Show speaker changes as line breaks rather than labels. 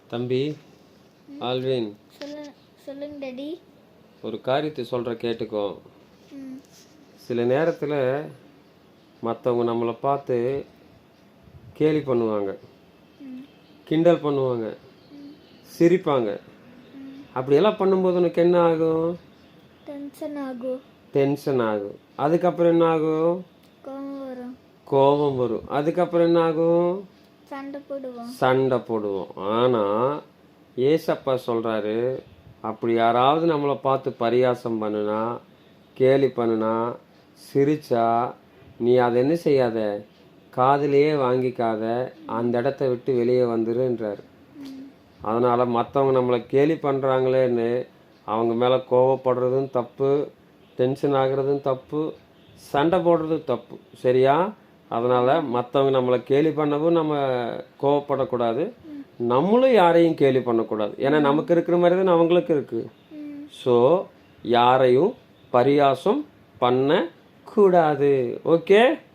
தம்பி ஆல்வின்,
சொல்லுங்க டாடி.
ஒரு காரியத்தை சொல்கிற கேட்டுக்கோ.
ம்
சில நேரத்தில் மற்றவங்க நம்மளை பார்த்து கேலி பண்ணுவாங்க,
ம்
கிண்டல் பண்ணுவாங்க,
ம்
சிரிப்பாங்க.
ம்
அப்படியெல்லாம் பண்ணும்போது உனக்கு என்ன ஆகும்?
டென்ஷன் ஆகும்.
டென்ஷன் ஆகும். அதுக்கப்புறம் என்ன ஆகும்?
கோவம் வரும்.
கோபம் வரும். அதுக்கப்புறம் என்ன ஆகும்?
சண்டை போடுவோம்.
ஆனால் ஏசப்பா சொல்கிறாரு, அப்படி யாராவது நம்மளை பார்த்து பரியாசம் பண்ணுனா, கேலி பண்ணுனா, சிரிச்சா, நீ அதை என்ன செய்யாத, காதிலேயே வாங்கிக்காத, அந்த இடத்த விட்டு வெளியே வந்துருன்றார். அதனால் மற்றவங்க நம்மளை கேலி பண்ணுறாங்களேன்னு அவங்க மேலே கோவப்படுறதும் தப்பு, டென்ஷன் ஆகுறதும் தப்பு, சண்டை போடுறதும் தப்பு. சரியா? அதனால் மற்றவங்க நம்மளை கேலி பண்ணவும் நம்ம கோவப்படக்கூடாது, நம்மளும் யாரையும் கேலி பண்ணக்கூடாது. ஏன்னா நமக்கு இருக்கிற மாதிரி தான் அவங்களுக்கு இருக்குது. ஸோ யாரையும் பரியாசம் பண்ணக்கூடாது. ஓகே?